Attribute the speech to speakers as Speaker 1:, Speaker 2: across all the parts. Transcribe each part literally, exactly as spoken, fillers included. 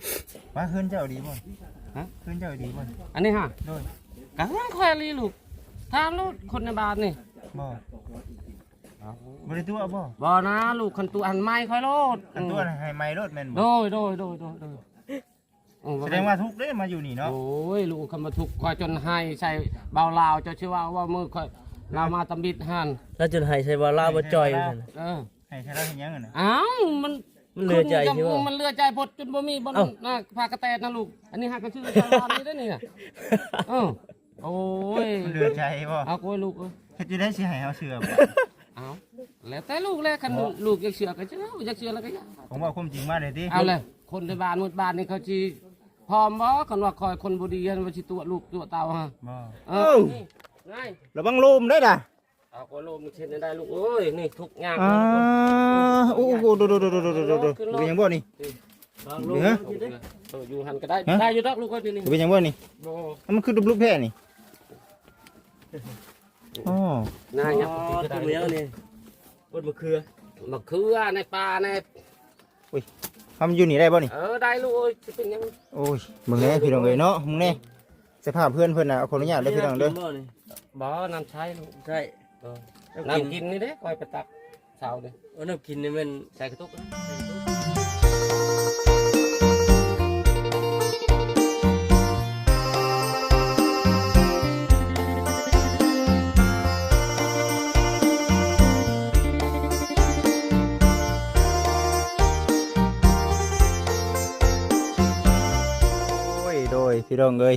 Speaker 1: ว่าคืนเจ้าดีบ่
Speaker 2: ฮะ
Speaker 1: คืนเจ้าดีบ่
Speaker 2: อันนี้ฮะ
Speaker 1: โดย
Speaker 2: กะต้องคอยรีลูกถามลูกคนในบ้านนี่
Speaker 1: บ่บ่ได้ตัวบ่
Speaker 2: บ่นะลูกคันตัวอันไม้คอยโลด
Speaker 1: อันตัวให้ไม้รถแม่นบ่
Speaker 2: โดยโดยโดยโดยโดย
Speaker 1: แสดงว่าทุกเด้มาอยู่นี่เนาะ
Speaker 2: โอ้ยลูกคำมาทุกคอยจนให้ใส่เบาลาวเจ้าชื่อว่าว่ามือคอยเรามาตำบิดหัน
Speaker 3: แล้วจนให้ใส่บ่ลาวบ่จ่อยนั่น
Speaker 2: เออ
Speaker 1: ให้ใช้แล้วเฮ็ดหยังน่ะ
Speaker 2: อ้าวมัน
Speaker 3: มันเลือใจใช่บ่
Speaker 2: มันเลือใจพดจนบ่มีบ่น่ะพากระแตนะลูกอันนี้หากระชื่อชาวบ้านนี่ได้นี่น่ะเออโอ้ย
Speaker 1: มันเลือใจบ่
Speaker 2: เอาโอ้ยลูกเอ้ย
Speaker 1: เฮ็ดอยู่ได้สิให้เฮาเชื่อบ่
Speaker 2: เอาแล้วแต่ลูกแล้วคันลูกอยากเชื่อก็เชื่ออยากเชื่อแล้วก็อยาก
Speaker 1: ผมว่าความจริงมาได้ติ
Speaker 2: เอาเลยคนในบ้านหมู่บ้านนี่เขาสิพร้อมบ่คันว่าคอยคนบ่ดีอันว่าสิตัวลูกตัวเต่าฮะ
Speaker 1: บ่
Speaker 2: เออไง
Speaker 1: ระวังลมได้ด่ะ
Speaker 2: เอาโอ้ลมเช่นได้ลูกเอ้ยนี่ทุกอย่าง
Speaker 1: อ่าโอ้โหดูๆๆๆๆๆเป็นหยังบ่นี่
Speaker 2: เฮ้ยอยู่หันก็ได้ได้อยู่ดอกลูกเอ้ยนี่
Speaker 1: เป็นหยังบ่นี่
Speaker 2: บ่
Speaker 1: มันคือรูปแพ้นี่อ๋อ
Speaker 2: น่ายับ
Speaker 3: ตรงแล้วนี่บนมะเขือ
Speaker 2: มะเขือในป่าใน
Speaker 1: อุ้ยทำอยู่นี่ได้บ่นี่
Speaker 2: เออได้ลูกเอ้ยสิเป็นยัง
Speaker 1: โอ้ยมึงแน่พี่น้องเอ้ยเนาะมึงแน่สภาพเพื่อนเพิ่นน่ะขออนุญาตเด้อพี่น้องเด้อ
Speaker 2: บ่น้ำใช้ลูก
Speaker 3: ใช่
Speaker 2: น้ำกินนี่เด้คอยไปตักเช้าเด้
Speaker 3: อน้ำกินนี่มัน
Speaker 2: ใส่กระตุกนะ
Speaker 1: โดยพี่น้องเอ้ย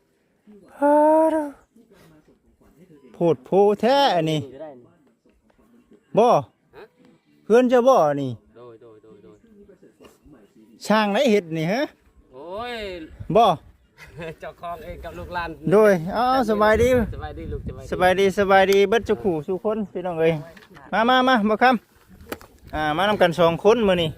Speaker 1: โพดโพแท้อันนี้บ่เพื่อนจะบ่นี่
Speaker 2: โดยโดยโดยโดย
Speaker 1: ช่างไหนเห็ดนี่ฮะ
Speaker 2: โอ้ย
Speaker 1: บ่
Speaker 2: เจ้าของเองกับลูกหลาน
Speaker 1: โดยอ้าวสบายดี
Speaker 2: สบายดีลูก
Speaker 1: สบายดีสบายดีเบิดจุขู่สู่คนพี่น้องเอ้ยมามามาบ่คำอ่ามานำกันสองคนมื้อนี้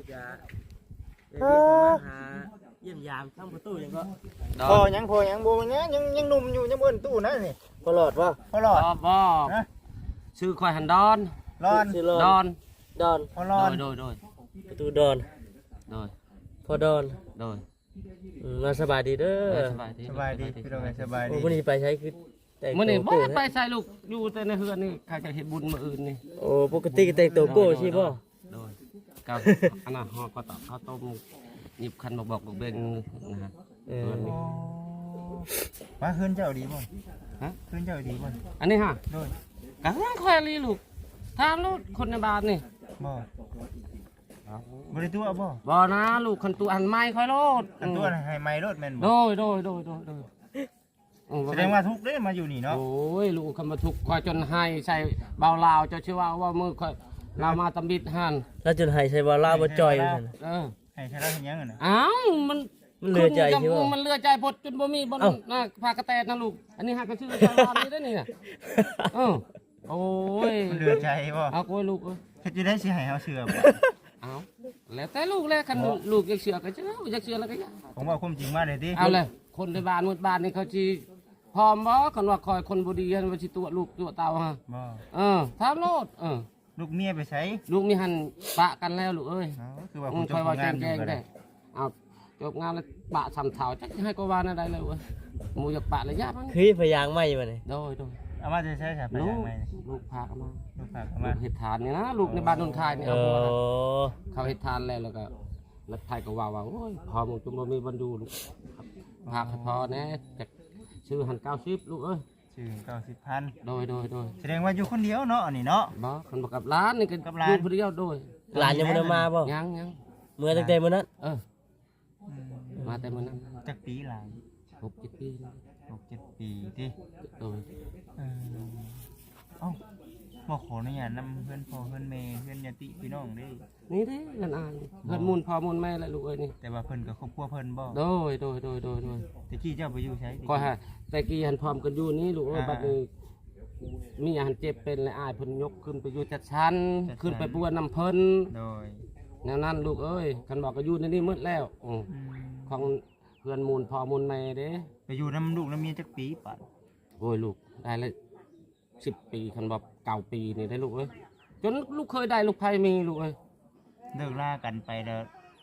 Speaker 3: เยี่ยมยามทั้งประตูยังก็
Speaker 1: พอยังพอยังโบยังยังยังหนุ่มอยู่ยังบนตู้นะนี่
Speaker 3: พอหลอดว่า
Speaker 1: พอหลอด
Speaker 2: บ่ชื่อคอยหันดอน
Speaker 1: ดอน
Speaker 2: ดอน
Speaker 3: ดอน
Speaker 1: พอหลอด
Speaker 2: โดยโดย
Speaker 3: ประตูดอน
Speaker 2: โดย
Speaker 3: พอดอน
Speaker 2: โดย
Speaker 3: มาสบายดีเด้อ
Speaker 2: สบายดี
Speaker 1: สบายดีพี่น้องสบายดี
Speaker 3: มื้อนี้ไปใช้คือ
Speaker 2: แต่มื้อนี้บ่ไปใช้ลูกอยู่แต่ในเฮือนนี่ใครจะเฮ็ดบุญมื้ออื่นนี่
Speaker 3: โอ้ปกติก็แต่งตัวโก้ใช่บ่
Speaker 2: โดยกับอันน่ะฮอก็ตอกข้าวต้มหยิบคันบอกบอกบอกเบ่งนะฮะเออ
Speaker 1: ว่าคืนเจ้าดีบ่
Speaker 2: ฮะ
Speaker 1: คืนเจ้าดีบ่
Speaker 2: อันนี้ฮะ
Speaker 1: โดย
Speaker 2: กะต้องคอยรีลูกถามลูกคนในบ้านนี่
Speaker 1: บ่บ่ได้ตัวบ่
Speaker 2: บ่นะลูกคันตัวอันไม้คอยโลด
Speaker 1: อันตัวให้ไม้รถแม่นบ่
Speaker 2: โดยโดยโดยโดยโดย
Speaker 1: แสดงว่าทุกเด้มาอยู่นี่เนาะ
Speaker 2: โอ้ยลูกคำมาทุกคอยจนให้ใส่เบาลาวเจ้าชื่อว่าว่ามือคอยเรามาตำบิดหัน
Speaker 3: แล้วจนให้ใส่บ่ลาวบ่จ่อยนั่น
Speaker 2: เออ
Speaker 1: ให้ใช้แล้วเฮ็ดหยังน่ะ
Speaker 2: อ้าวมัน
Speaker 3: มันเลือใจใช่บ่
Speaker 2: มันเลือใจพดจนบ่มีบ่น่ะพากระแตนะลูกอันนี้หากระชื่อชาวบ้านนี่ได้นี่น่ะเออโอ้ย
Speaker 1: มันเลือใจบ่
Speaker 2: เอาโอ้ยลูกเอ้ย
Speaker 1: เฮ็ดอยู่ได้สิให้เฮาเชื่อบ่
Speaker 2: เอาแล้วแต่ลูกแล้วคันลูกอยากเชื่อก็เชื่ออยากเชื่อแล้วก็อยาก
Speaker 1: ผมว่าความจริงมาได้ติ
Speaker 2: เอาเลยคนในบ้านหมู่บ้านนี่เขาสิพร้อมบ่คันว่าคอยคนบ่ดีอันว่าสิตัวลูกตัวเต่าฮะ
Speaker 1: บ่
Speaker 2: เออถามโลดเออ
Speaker 1: ลูกเมียไปใช้
Speaker 2: ลูกมีหันปะกันแล้วลูกเอ้ย
Speaker 1: คือว่า
Speaker 2: คุณจบงานอยู่ได้เอาจบงานแล้วปะสำเถาจักให้กวานะได้เลยเว้ยหมูอยากปะระยะมั้ง
Speaker 3: คือพยางไม่มาเลย
Speaker 2: โดยโดย
Speaker 1: เอามาจะใช้ครับพยางไม่
Speaker 2: ลูกพากันมา
Speaker 1: ลูกพากันมา
Speaker 2: เห็ดทานนี่นะลูกในบ้านนนทายนี่เอาเขาเห็ดทานแล้วแล้วก็แล้วไทยก็ว่าว่าโอ้ยพอมึงจุ่มมีบรรดูลูกพาพอแน่จากชื่อหันเก้าสิบลูกเอ้ย
Speaker 1: ชื่อเก้าสิบพัน
Speaker 2: โดยโดยโดย
Speaker 1: แสดงว่าอยู่คนเดียวเนาะนี่เนาะ
Speaker 2: บ่คนบอกกับร้านนี่กับร้านคนเดียวโดย
Speaker 3: ร้านยังไม่ได้มาบ่
Speaker 2: ยังยัง
Speaker 3: เมื่อตั้งแต่เมื่อนั้น
Speaker 2: เออมาแต่เมื่อนั้น
Speaker 1: จักปีหลาย
Speaker 2: หกเจ็ดปี
Speaker 1: หกเจ็ดปีที่
Speaker 2: โดย
Speaker 1: เออเอ้าบอกขออนุญาตนำเพื่อนพ่อเพื่อนแม่เพื่อนญาติพี่น้องได้
Speaker 2: นี่เด้เงินอ่านเงินมูลพ่อมูลแม่และลูกเอ้ยนี่
Speaker 1: แต่ว่าเพิ่นกับครอบครัวเพิ่นบ่
Speaker 2: โดยโดยโดยโดยโดย
Speaker 1: ตะกี้เจ้าไปอยู่ใช้
Speaker 2: ก็ฮะแต่กี้หันพร้อมกันอยู่นี่ลูกเอ้ยบัดนี้มีหันเจ็บเป็นและอายเพิ่นยกขึ้นไปอยู่จัดชั้นขึ้นไปปัวน้ำเพิ่น
Speaker 1: โดย
Speaker 2: แนวนั้นลูกเอ้ยคันบอกก็อยู่ในนี่มืดแล้วของเพื่อนมูลพ่อมูลแม่เด้
Speaker 1: ไปอยู่น้ำลูกน้ำเมียจักปีปัด
Speaker 2: โอ้ยลูกได้เลยสิบปีคันบอกเก่าปีนี่ได้ลูกเอ้ยจนลูกเคยได้ลูกไผ่มีลูกเอ้ย
Speaker 1: เลิกล่ากันไปแล้ว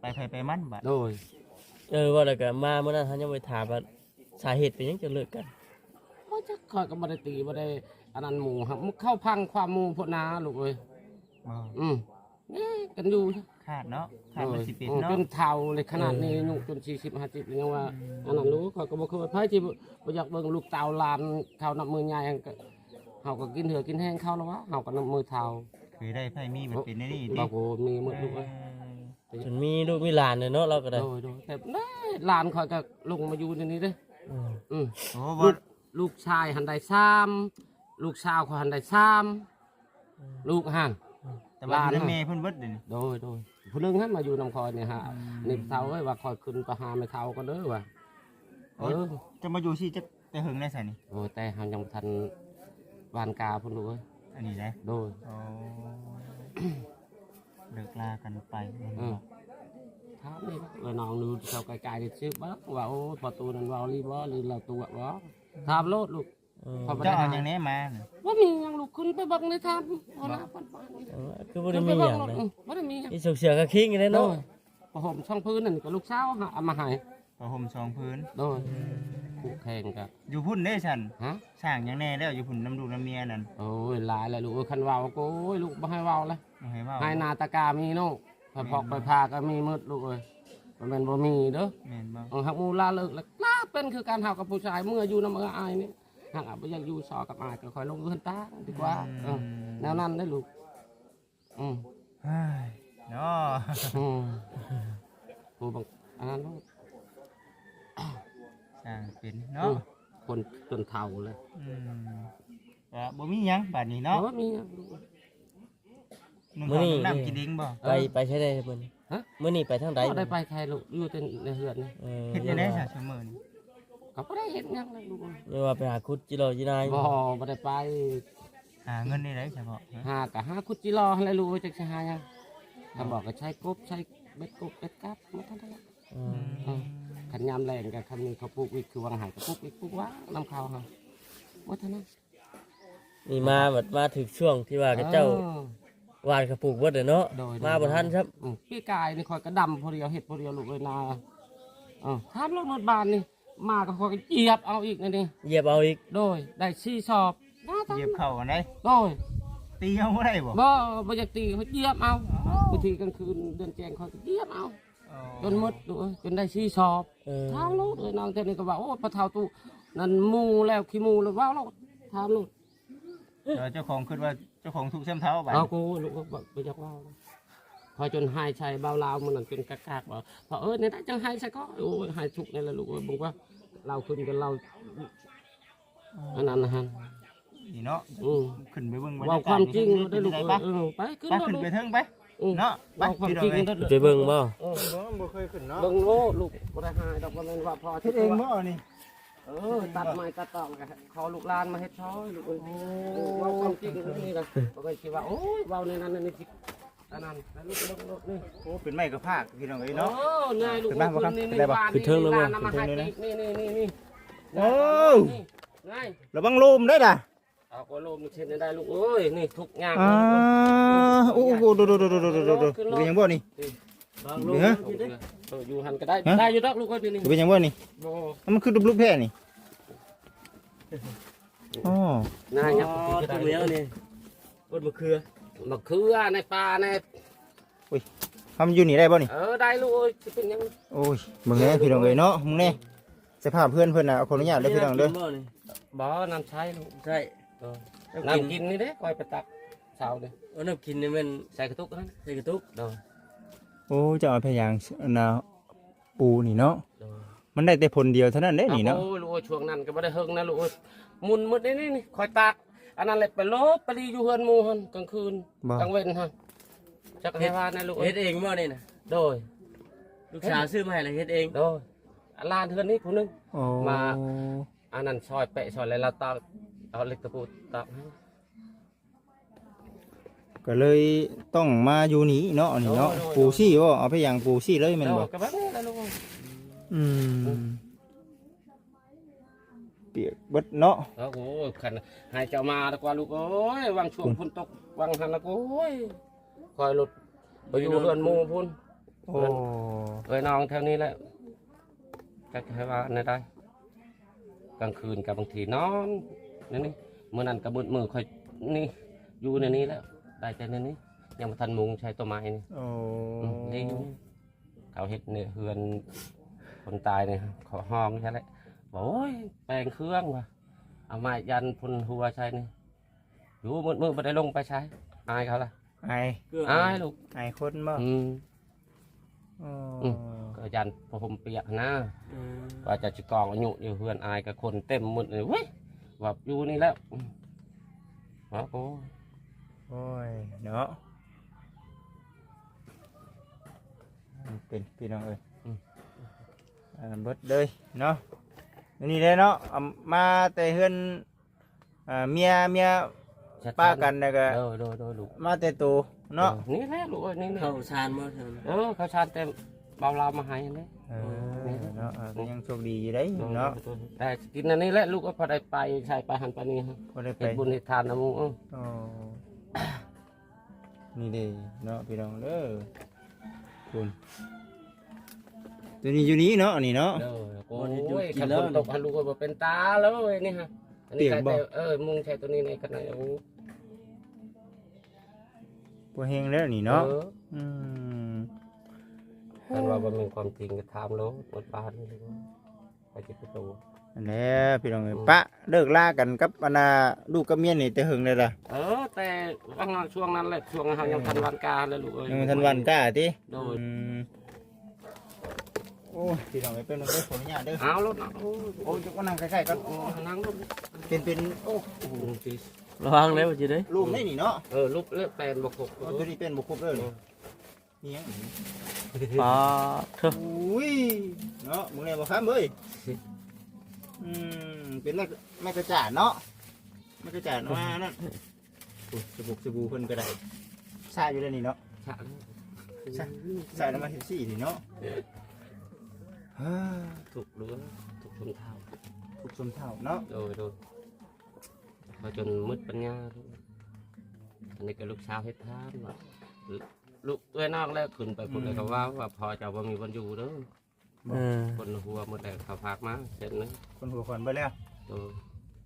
Speaker 1: ไปไผไปมันบัด
Speaker 2: โดย
Speaker 3: เออว่าแล้วก็มามื้อนั้นเฮายังไปถามว่าสาเหตุเป็นหยังจะเลิกกัน
Speaker 2: ว่าจะคอยก็บ่ได้ตีบ่ได้อันนั้นหมู่ครับมันเข้าพังความหมู่พุ่นนาลูกเอ้ย
Speaker 1: บ่
Speaker 2: อืมนี่กันอยู่
Speaker 1: ขาดเนาะขาดมันสิเป็น
Speaker 2: อืม
Speaker 1: เนาะ
Speaker 2: จนเฒ่าเลยขนาดนี้อายุจนสี่สิบห้าสิบยังว่าอันนั้นรู้เขาก็บ่เคยไผที่บ่อยากเบิ่งลูกเต่าหลานเขานับมือใหญ่ก็เฮาก็กินเหือกินแห้งเขาแล้ววะเฮาก็นับมือเฒ่า
Speaker 1: เคยได้ไผมีมันเป็นในนี่
Speaker 2: บ
Speaker 1: ดิ
Speaker 2: อกโอ้มีหมดลูก
Speaker 1: เอ
Speaker 2: เอ้ย
Speaker 1: อ
Speaker 3: จนมีลูกมีหลานเลยเนาะเราก็ได้
Speaker 2: โดยโดยแต่ได้หลานคอยก็ลงมาอยู่ในนี้เด้อ
Speaker 3: อืม
Speaker 2: อืม
Speaker 1: โอ้
Speaker 2: ลู
Speaker 1: บ่
Speaker 2: กลูกชายหันได้ซ้ำลูกสาวเขาหันได้ซ้ำลูกหัน
Speaker 1: แต่ว่า
Speaker 2: หลาน
Speaker 1: ใน
Speaker 2: น่ะ
Speaker 1: แม่เพิ่นเบิดเด้นี่
Speaker 2: โดยโดยผู้หนึงหันมาอยู่นำคอยเนี่ยฮะนี่เท่าเอ้ยว่าคอยขึ้นไปหาไม่เท่าก็เด้อว่ะเออ
Speaker 1: จะมาอยู่สิจะแต่หึงได้ไสนี่
Speaker 2: โอ้ยแต่เฮายังบ่ทันวานกาพุ่นลูกเอ้ย
Speaker 1: อันนี้ได้
Speaker 2: โดย
Speaker 1: โอ้เลิกลากันไป
Speaker 2: เออถามนี่ว่าน้องดูชาวไกลๆนี่ชื่อบ่ว่าโอ้ยประตูนั้นเว้าลีบ่หรือเราตัวบ่ถามโลดลูก
Speaker 3: เออ
Speaker 2: พอบ่
Speaker 1: เจ้า
Speaker 2: ได้
Speaker 1: เอา
Speaker 2: หา
Speaker 1: อย่างนี้มาน่ะ
Speaker 2: ว่ามีหยังลูกขึ้นไปเบังในทางเอาหน้าปันปานนี่
Speaker 3: เออคือบ่ได้มีหยังเลย
Speaker 2: บ่ได้มีหยัง
Speaker 3: อีสุกเสือก็คิงอยู่เลย
Speaker 2: โด
Speaker 3: เนาะ
Speaker 2: ยผ้าห่มช่องพื้นนั่นก็ลูกสาวหาเอามาให้
Speaker 1: ผ้าห่มสองพื้น
Speaker 2: โดยคู่แข่งกัน
Speaker 1: อยู่พุ่นเด้ฉัน
Speaker 2: ฮะ
Speaker 1: สร้างหยังแน่แล้วอยู่พุ่นน้ำดูกน้ำเมียนั่น
Speaker 2: โอ้ยหลายเลยลูกเอ้ยคันเว้าก็โอ้ยลูกบ่ให้เว้าเลย
Speaker 1: บ่ให้เว้า
Speaker 2: ให้นาตะกามีเนาะพอพอกไปพาก็มีมืดลูกเอ้ยมันเป็นบ่มีเด้อ
Speaker 1: แม่นบ่
Speaker 2: เอาหักมูลาเลิกแล้วลาเป็นคือการเฮากับผู้ชายเมื่ออยู่นำเอออายนี่หากบ่อยากอยู่ซอกับอายก็ค่อยลงเรือนตาดีกว่าเออแนวนั้นได้อลูกอืม
Speaker 1: เฮ้ยเนาะ
Speaker 2: อืมผู้บังอันนั้นเนาะ
Speaker 1: สร้างเป็น
Speaker 2: อื
Speaker 1: เนาะ
Speaker 2: มคนจนเฒ่าเลย
Speaker 1: อืมก็บ่มีหยังบัดนี้เนาะ
Speaker 2: เพราะว่ามีอะ
Speaker 1: นุ่งข้าวนุ่งน้ำกินเองบ่
Speaker 3: ไปไปใช้ได้มื้อนี้
Speaker 2: ฮะ
Speaker 3: มื้อนี้ไปทางใด
Speaker 2: ก็ได้ไปใครลูกอยู่แต่ในเฮือนนี่
Speaker 3: เออ
Speaker 1: เฮ็ดจังได๋ซะเสมอนี่
Speaker 2: ก็บ่ได้เห็นหยังเลยลูก
Speaker 3: เรียกว่าไปหาคุดจิโรจินาย
Speaker 2: บ่บ่ได้ไป
Speaker 1: หาเงินได้ไดเฉพาะฮะ
Speaker 2: หากะหาคุดจิรอให้ลูกจักสิหาหยังก็บอกก็ใช้กบใช้เบ็ดกบเบ็ดกับมาทันที
Speaker 3: เออ
Speaker 2: เออขันยามแรงกับคันนี้เขาปลูกวิกคือวางหายกับปลูกวิกปลูกว่าน้ำข้าวเขาว่าเท่านั้น
Speaker 3: นี่มาแบบมาถึงช่วงที่ว่ากับเจ้า
Speaker 2: ออ
Speaker 3: หวานกระปุกเบิดเลยเนาะ
Speaker 2: โดย
Speaker 3: มาบ่ทันครับ
Speaker 2: อืมพี่กายนี่คอยกระดำพอเดียวเห็ดพอเดียวลูกเลยนาเออทามรถนวดบานนี่มาก็คอยเหยียบเอาอีกนี่นี่
Speaker 3: เหยียบเอาอีก
Speaker 2: โดยได้ซี่สอบน่าตา
Speaker 1: เหยียบเข้ากันได้
Speaker 2: โดย
Speaker 1: ตีเอาบ่ได้บ่
Speaker 2: บ่บ่อยากตีเขาเหยียบเอาบางทีกลางคืนเดินแจงคอยก็เหยียบเอาจนหมดลูกเอ้ยจนได้ซี่สอบ
Speaker 3: เออ
Speaker 2: ทามลูกเลยนางเจ้านี่ก็ว่าโอ้พระเท้าตู้นั่นหมูแล้วขี้หมูแล้วว้าวแล้วทามลูก
Speaker 1: เออเจ้าของคิดว่าเจ้าของถูกเส้นเท้าบัด
Speaker 2: เอากูลูกก็บอกไปจักว่าวเลยพอจนหายใจเบาลาวมันนั่นจนกากากบอกพอเออเนี่ยได้จังหายใจก็โอ้ยหายทุกนี่แหละลูกเอ้ยบอกว่าเราขึ้นกันเราอันนั้นนะฮะ
Speaker 1: นี่เนาะ
Speaker 2: อืม
Speaker 1: ขึ้นไปเบิ่งบรร
Speaker 2: เว่าย
Speaker 1: ากาศ
Speaker 2: ความจริงได้ลูก
Speaker 1: ไป
Speaker 2: เอ้ย
Speaker 1: ปะ
Speaker 2: เออไปขึ้น
Speaker 1: ไป
Speaker 2: รถ
Speaker 1: ขึ้น
Speaker 2: ลูก
Speaker 1: ไปเทิงไป
Speaker 2: อืม
Speaker 1: เนาะไป
Speaker 2: เว่าความ
Speaker 1: พี่น้
Speaker 2: จ
Speaker 1: อ
Speaker 2: ริ
Speaker 1: ง
Speaker 2: ง
Speaker 1: เอ้ย
Speaker 2: ได้
Speaker 3: ไปเบิ่งบ่
Speaker 2: เออ
Speaker 1: บ่เคยขึ้นเนาะ
Speaker 2: เบิ่งโลลูกบ่ได้หายดอกบ่แม่นว่าพอ
Speaker 1: เฮ็ดเองบ่นี่
Speaker 2: เออตัดไม้ตัดตอกกันขอลูกหลานมาเฮ็ดช้อยลูกเอ้ยเออเว่าความจริงนี่นะบ่เคยคิดว่าโอ้ยเว้าในนั้นนี่สิอันนั้นแล้วลูกลูกลูกนี่
Speaker 1: โอ้เป็นไม้กระพากพี่น้องเอ้ย
Speaker 2: เนาะ
Speaker 1: เนาะ
Speaker 2: นายลูก
Speaker 1: ขึ้นมาบ่ครับ
Speaker 2: นี่
Speaker 1: ขึ้นได้บ่
Speaker 3: ขึ้นเทิงแล้วบ่
Speaker 2: นำมาให้นี่นี่นี่นี่
Speaker 1: โอ้
Speaker 2: นาย
Speaker 1: ระวังลมได้ด่ะ
Speaker 2: เอาก็ลมเช่นได้ลูกเอ้ยนี่ทุกอย่าง
Speaker 1: อ่าโอ้โหดูดูดูดูดูดูดูเป็นยังบ่นี่
Speaker 3: บาง
Speaker 1: เห
Speaker 3: ลู
Speaker 1: ลื
Speaker 3: ก
Speaker 1: อ
Speaker 2: เอออยู่หันก็ได้
Speaker 1: ฮะ
Speaker 2: ได้อยู่ดอกลูกเอ้ยนี่
Speaker 1: เป็นยังบ่นี่
Speaker 2: โอ้
Speaker 1: มันคือรูปแพร่นี่อ๋อน
Speaker 2: าย
Speaker 3: อ๋
Speaker 2: ยั
Speaker 3: อง ตรงแล้วนี่บนมะเขือ
Speaker 2: มะเขือในป่าใน
Speaker 1: ทำอยู่นี่ได้บ่นี่
Speaker 2: เออได้ลูกเอ้ยสิเป็นยัง
Speaker 1: โอ้ยมึงแน่พี่น้องเอ้ยเนาะมึงแน่สภาพเพื่อนเพิ่นน่ะขออนุญาตเด้อพี่น้องเด้อ
Speaker 3: บ่นี่
Speaker 2: บ่น้ำใช้ลูก
Speaker 3: ใช่
Speaker 2: เออ
Speaker 3: น้ำกิน
Speaker 2: น้ำกินนี่เด้คอยไปตักเช้าเด้
Speaker 3: เอาน้ำกินนี่มัน
Speaker 2: ใส่กระตุกนั่น
Speaker 3: ใส่กระตุก
Speaker 2: เด้อ
Speaker 1: โอ้เจะเอาพยางนาปูนี่เนาะ
Speaker 2: เด้อ
Speaker 1: มันได้แต่ผลเดียวเท่านั้นเด้นี่เนาะ
Speaker 2: โอ้ยลูกเอ้ยช่วงนั้นก็ไม่ได้เฮิงนะลูกเอ้ยหมุนมืดนี่นี่นี่คอยตากอันนั้นเลยไปลบไปรีอยู่เฮือนหมู่หันกลางคืน
Speaker 1: บ่
Speaker 2: กลางเว้นฮะจักให้ว่านะลูกเอ้
Speaker 3: เฮ็
Speaker 2: ย
Speaker 3: ดเองบ่นี่น่ะ
Speaker 2: โดย
Speaker 3: ลูกสาวซื้อมาให้แล้วเฮ็ดเอง
Speaker 2: โดยอันลานเฮือนนี้ผู้หนึง
Speaker 1: โอ้
Speaker 2: มา อันนั้นซอยเปะซอยอะไรเราตอกเอาเหล็กตะปูตอกให้
Speaker 1: ก็เลยต้องมาอยู่นี่เนาะนี่เนาะปูซี่บ่เอาพยางปูซี่เลยแม่น
Speaker 2: โด
Speaker 1: บ่
Speaker 2: ยก็แบบนี้แหละลูกเอ้ย
Speaker 1: อืมเปียกเบิดเนาะ
Speaker 2: โอ้โหขันให้เจ้ามาดีกว่าลูกเอ้ยวางช่วงพุ่นตกวางหันแล้วก็โอ้ยคอยหลุดไปอยู่เฮือนหมู่พุ่น
Speaker 1: โอ้
Speaker 2: เอ้ยน้องแถวนี้แหละจะให้ว่าในได้กลางคืนกับบางทีนอนนี่นี่มื้อนั้นกับมืดมือค่อยนี่อยู่ในนี้แล้วได้แต่ในนี้ยังบ่ทันมุงใช้ต้นไม้นี่
Speaker 1: โอ้
Speaker 2: อืมนี่อยู่นี่เขาเฮ็ดเนี่ยเฮือนคนตายเนี่ยเขาห้องใช่ไหมบอกโอ้ยแปลงเครื่องว่ะเอาไม้ยันพุ่นหัวใช่นี่อยู่มืดมืดไม่ได้ลงไปใช้อายเขาล่ะ
Speaker 1: ไอ
Speaker 2: อายลูก
Speaker 1: ไอคนบ่
Speaker 2: อืม
Speaker 1: โอ้
Speaker 2: อืม ก็ยันผมเปียกนะ
Speaker 3: อืม
Speaker 2: ว่าจะจิกองอายุอยู่เฮือนอายกับคนเต็มหมดเลยเว้ยว่าอยู่นี่แล้วอืมว่าโอ้
Speaker 1: โอ้ยเนาะมันเป็นพี่น้องเอ้ยอ่าเบิดเลยเนาะอันนี่เลยเนาะเอามาแต่เฮือนอ่าเมียเมียป้ากันแล้วก็
Speaker 2: โดยโดยโดยลูก
Speaker 1: มาแต่ตัวเนาะ
Speaker 2: ออนี่แหละลูกเอ้ยนี่นี่
Speaker 3: เข้าชานบ่ซั่น
Speaker 2: เออเขาชาญเต็มเบาเรามาให้อันนี้
Speaker 1: เออเนาะอ่าก็ยังโชคดีอยู่ได้เนาะ
Speaker 2: แต่กินอันนี้แหละลูกก็พอได้ไปใช่ไปหันไปนี่ฮะ
Speaker 1: พอได้ไป
Speaker 2: เห็นบุญเห็นทานนะมึงเออ
Speaker 1: อ๋อนี่เด้เนาะพี่น้องเด้อคุณตัวนี้อยู่นี้เนาะนี่เนาะ
Speaker 2: เด้อโอ้ยขันฝนตกหันลูกก็บอกเป็นตาเลยนี่ฮะอันนี้
Speaker 1: เปียก
Speaker 2: ใช่
Speaker 1: บ่
Speaker 2: แต่เออมุงใช้ตัวนี้ในขนาดโอ้
Speaker 1: พวเฮงแล้วนี่เนาะ
Speaker 2: ออ
Speaker 1: อืม
Speaker 2: คันว่ามันเป็นความจริงก็ทำแล้วหมดบ้านนี่เลยไปจิตประตู
Speaker 1: อันนี้พี่น้องเอ้ยปะเลิกลากันกับอันน่ะลูกกับเมียนี่แต่หึงเลยล่ะ
Speaker 2: เออแต่ว่าช่วงนั้นแหละช่วงเขายังทันวันกาเลยลูกเอ้ย
Speaker 1: ยังทันวันกล้าติ
Speaker 2: โดย
Speaker 1: อืมโอ้ยพี่น้องเอ้ยเป็นมันได้ผลญาตเด้อ
Speaker 2: เอารถนะโอ้ย
Speaker 1: โอ้ยยกมานั่งใกล้ๆกัน
Speaker 2: โอ้ยนั่งรถ
Speaker 1: เป็นเป็นโอ้
Speaker 2: โอ้โหสิ
Speaker 3: ระวังแล้วบ่จิเด้
Speaker 1: ลูกได้นี่เนาะ
Speaker 2: เออลูกเลือกแปลนบกบ
Speaker 1: เอาตัวนี้เป็นบุคคลเด้อนี่นี่ยัง
Speaker 3: ปาเถอะ
Speaker 1: อุ้ยเนาะมึงเลยบ่ครับเอ้ยอืมเป็นแม่แม่กระจาดเนาะแม่กระจาดมานั่นโอ้ยสบู่สบู่เพิ่นก็ได้ใส่อยู่แล้วนี่เนาะ
Speaker 2: ฉะ
Speaker 1: ใส่ใส่แล้วมาเฮ็ดซี่นี่เนาะฮ่า
Speaker 2: ถูกเรือถูกชนเท้า
Speaker 1: ทุกชมเท่าเนาะ
Speaker 2: โดยโดยพอจนมืดปัญญาลูกอันนี้ก็ลูกสาวเฮ็ดทานว่าลูกเอ้ยนอกแล้วขึ้นไปคนเลยก็ว่าว่าพอจะว่ามีวันอยู่เด้อ
Speaker 3: เออ
Speaker 2: คนหัวหมดแล้วเขาพากมาเสร็จเลย
Speaker 1: คนหัวคนไปแล้ว
Speaker 2: โดย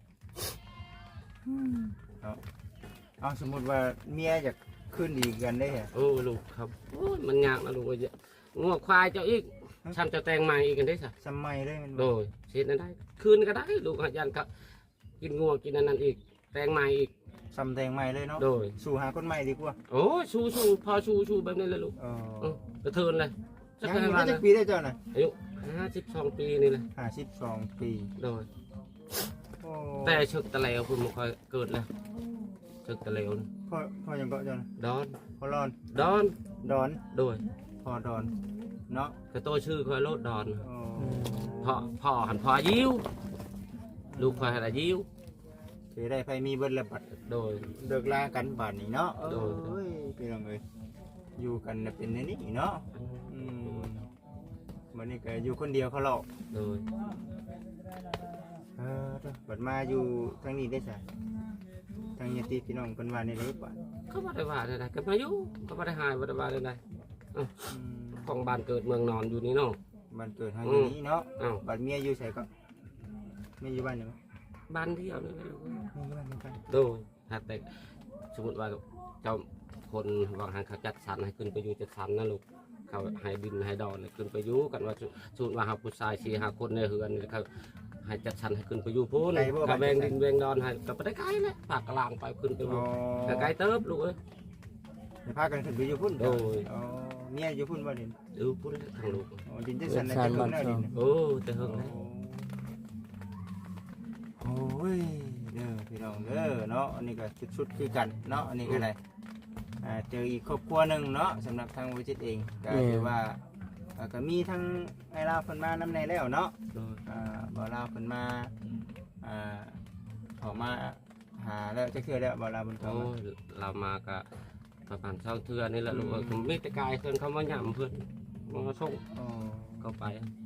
Speaker 1: เอาสมมุติว่าเมียอยากขึ้นดีกันได้เหรอ
Speaker 2: โอ้ลูกครับโอ้ยมันยากนะลูกเอ้ยงัวควายเจ้าอีกทำเจ้าแตงใหม่อีกกันได้สั
Speaker 1: สมัยได้มัน
Speaker 2: โดยเช็ดนั้นได้คืนก็ได้ลูกอาจารย์ก็กินงัวกินอันนั้นอีกแตงใหม่อีก
Speaker 1: ซ้ำแตงใหม่เลยเนาะ
Speaker 2: โดย
Speaker 1: สู่หาคนใหม่ดีกว่า
Speaker 2: โอ้ยชูชูพอชูชูแบบนี้เลยลูก
Speaker 1: เอ
Speaker 2: เอ
Speaker 1: อ
Speaker 2: อกระเทินเลยสั
Speaker 1: ยั
Speaker 2: ก
Speaker 1: งอยู่
Speaker 2: แค่
Speaker 1: ได้
Speaker 2: วัน
Speaker 1: จั
Speaker 2: นะ
Speaker 1: กปีได้เจ้าน่ะ
Speaker 2: อายุห้าสิบสองปีนี่แหละ
Speaker 1: ห้าสิบสองปี
Speaker 2: โดย
Speaker 1: โอ้
Speaker 2: แต่ชึกตะเลวคุณมาคอยเกิดเลยชึกตะเลวนะ
Speaker 1: พ่อพ่อยังเกาะเจ้าน่ะ
Speaker 2: ดอน
Speaker 1: พ่อรอน
Speaker 2: ดอน
Speaker 1: ดอน
Speaker 2: โดย
Speaker 1: พ่อดอนเนาะ
Speaker 2: กระโตชื่อคอยโลดดอน
Speaker 1: โอ้
Speaker 2: พ่อพ่อหันพ่อยิ้วลูกคอยหันยิ้ว
Speaker 1: ถือได้ไผมีเบิดแล้วบัด
Speaker 2: โดย
Speaker 1: เลิกลากันบาดนี้เนาะ
Speaker 2: โดย
Speaker 1: โอ้ยพี่น้องเอ้ยอยู่กันน่ะเป็นในนี้เนาะอืมวันนี้ก็อยู่คนเดียวเขาหลอก
Speaker 2: โดย
Speaker 1: เออเด้อบัดมาอยู่ทางนี้ได้ซะทางญาติพี่น้องเพิ่นว่าในนี้ป่ะ
Speaker 2: ก็ไม่ได้ว่าอะไรก็มาอยู่ก็ไม่ได้หายไม่ได้ว่าอะไร
Speaker 1: อืม
Speaker 2: ของบ้านเกิดเมืองนอนอยู่นี่เนาะ
Speaker 1: บ้านเกิดเฮาอยู่นี้เนาะ
Speaker 2: อ้าว
Speaker 1: บัดเมียอยู่ไสก็เมียอยู่บ้านนี่บ่
Speaker 2: บ้านเที่ยวนี่แหละ
Speaker 1: เมียอยู่บ้านนี่กัน
Speaker 2: โดยถ้าแต่สมมติว่าเจ้าคนวางหางเขาจัดสรรให้ขึ้นไปอยู่จัดสรรนะลูกเขาให้ดินให้ดอนเลยขึ้นไปอยู่กันว่าสมมติว่าหาผู้ชายสี่หาคนในเฮือนเขาให้จัดสรรให้ขึ้นไปอยู่พูนเขาแบ่งดินแบ่งดอนให้ก็ไปได้ไกลเลยปากกลางไปขึ้นไปอ
Speaker 1: อ๋
Speaker 2: ยู่
Speaker 1: อ
Speaker 2: ก็ไกลเติบลูกเอ้ย
Speaker 1: ให้พากันขึ้นไปอยู่พุ่น
Speaker 2: โดย
Speaker 1: อ๋อเมียอยู่พุ่นบ่ดิน
Speaker 2: ดูพุ่นทางลูก
Speaker 1: อ๋อดินจัดสรรน่ะจะขึ้นแล้วดิน
Speaker 2: โอ้แต่เฮิงเลย
Speaker 1: โอ้ยเด้อพี่น้องเด้อเนาะอันนี้ก็ชุดๆคือกันเนาะอันนี้ก็ได้อ่าเจออีกครอบครัวหนึงเนาะสำหรับทางวิจิตรเองก็คือว่าอ่าก็มีทั้งไอ้ลาวเพิ่นมานำในแล้วเนาะ
Speaker 2: โดย
Speaker 1: อ่าบ่ลาวเพิ่นมาอ่าออกมาหาแล้วจะคือแล้วบ่ลาวเพิ่นเข้า
Speaker 2: โอ้
Speaker 1: มาย
Speaker 2: เรามาก็ประมาณสองเทือนี่แหละลูกเอ้ยผมไม่แต่กายเพิ่นเขามาหย่ำเพิ่นมาส่ง
Speaker 1: อ๋อ
Speaker 2: ก็ไป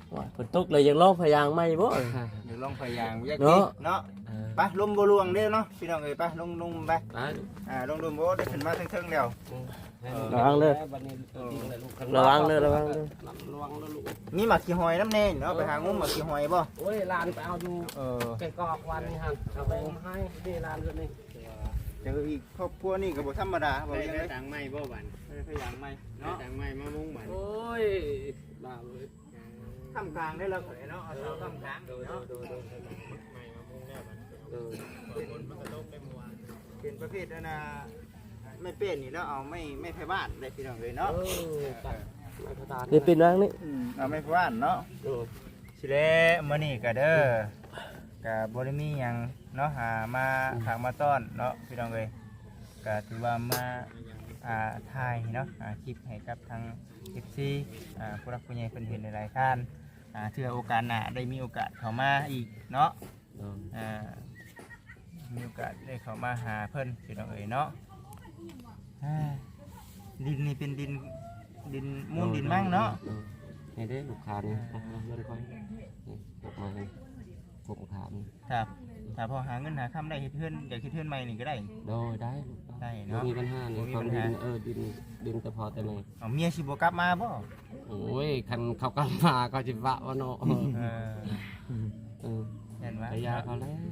Speaker 3: ว่าฝนตกเลยยังร้องพยางค์ไหม่บ่
Speaker 1: เดี๋ยวลองพยายามอยาก
Speaker 3: เนาะ
Speaker 1: กินเนาะไปลมบ่ลวงเด้อเนาะพี่น้องเอ้ยไปลงลงไป
Speaker 2: ได้
Speaker 1: อ่าลงดูบ่ได้ขึ้นมาเทิงๆแล้ว
Speaker 3: ระวังเด้อ
Speaker 2: บัดนี้ตัวจริงเลยลูก
Speaker 3: ระวังเด้อระวังเด้อ
Speaker 2: ระวังเด้อลูก
Speaker 1: มีหมักขี้หอยน้ำแน่เนาะไปหางมหมักขี้หอยบ่
Speaker 2: โอ้ยลานไปเอาอยู่
Speaker 1: เออ
Speaker 2: แกงกอกวันนี่ฮะเอาไปให้นี่ลานเพิ่นนี่
Speaker 1: เจออีกครอบครัวนี่ก็บ่ธรรมดาบ่
Speaker 4: ได้
Speaker 1: ยัง
Speaker 4: ได้
Speaker 1: ไง
Speaker 4: ตังค์ไหมบ่บัน
Speaker 1: พยายามไหม
Speaker 4: ได้
Speaker 1: เนาะ
Speaker 4: ตังค์ไหมมามุ้งบัน
Speaker 2: โอ้ยบ้าเลย
Speaker 1: ทำกลางได้แล้วข่อยเนาะเอาเสาทำกลางเนาะ
Speaker 4: ไม่มามุ้งได้บัน
Speaker 2: เออ
Speaker 4: ฝนมันก็ตกได้เมื่อวาน
Speaker 1: เป็นประเภทนั้นน่ะไม่เป็นนี่แล้วเอาไม่ไม่ไผบ้านได้พี่น้องเลยเนาะ
Speaker 2: เออตัดไม่กระดาน
Speaker 3: นี่เป็นร่างนี่
Speaker 1: อืมเอาไม่ไผบ้านเนาะ
Speaker 2: เออ
Speaker 1: สิเด้มื้อนี้ก็เด้อก็บ่ได้มีหยังเนาะหามาฝากมาต้อนเนาะพี่น้องเอ้ยก็ถือว่ามาอ่าถ่ายเนาะอ่าคลิปให้กับทาง เอฟ ซี อ่าผู้รักผู้ใหญ่เพิ่นเห็นหลายๆท่านอ่าเทื่อโอกาสหน้าได้มีโอกาสเข้ามาอีกเนาะ
Speaker 2: เออ
Speaker 1: อ่ามีโอกาสได้เข้ามาหาเพิ่นพี่น้องเอ้ยเนาะอ่าดินนี่เป็นดินดินมูลดินมั่งเนาะ
Speaker 2: ออนี่เด้ลูกค้านี่เอาเอาเงินค่อยนี่ออกมาให้ผมขามนี่
Speaker 1: ครับถ้าพอหาเงินหาคำได้เฮ็ดเฮือนอยากเฮ็ดเฮือนใหม่นี่ก็ได้
Speaker 2: โดยได้ลูก
Speaker 1: ได้เนาะ
Speaker 2: บ่มีปัญหานี่
Speaker 1: บ่มี
Speaker 2: ความ
Speaker 1: ปัญ
Speaker 2: ดิ
Speaker 1: หา
Speaker 2: นเออดินดินแต่พอแต่นี่
Speaker 1: เอาเมียสิบ่กลับมาบ่
Speaker 2: โอ้ยคันเขากลับมาก็สิวะว่าเนาะเออ
Speaker 1: เออ
Speaker 2: เออ
Speaker 1: เห็นว่า
Speaker 2: ไปยาเขาแล้ว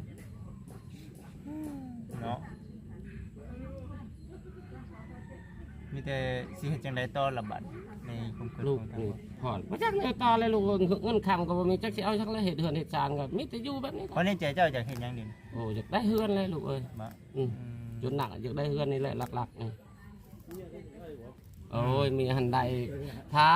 Speaker 1: เนาะมีแต่สิเฮ็ดจังไดต่อละบัดในคุมคืน
Speaker 2: ลูก
Speaker 1: ของทาง
Speaker 2: นี่พอดบ่จักแนวต่อเลยลูกเงินคำก็บ่มีจักสิเอาจักแล้วเฮ็ดเฮือนเฮ็ดจานก็มีแต่อยู่แบบนี้
Speaker 1: เพราะในใจเจ้าอยากเฮ็ดหยังดิ
Speaker 2: โอ้อยากได้เฮือนเลยลูกเอ้ย
Speaker 1: บ่
Speaker 2: อืม
Speaker 1: อืม
Speaker 2: จนหนักอยากได้เฮือนนี่แหละหลักๆนี่โอ้ยมีหันใดเท้า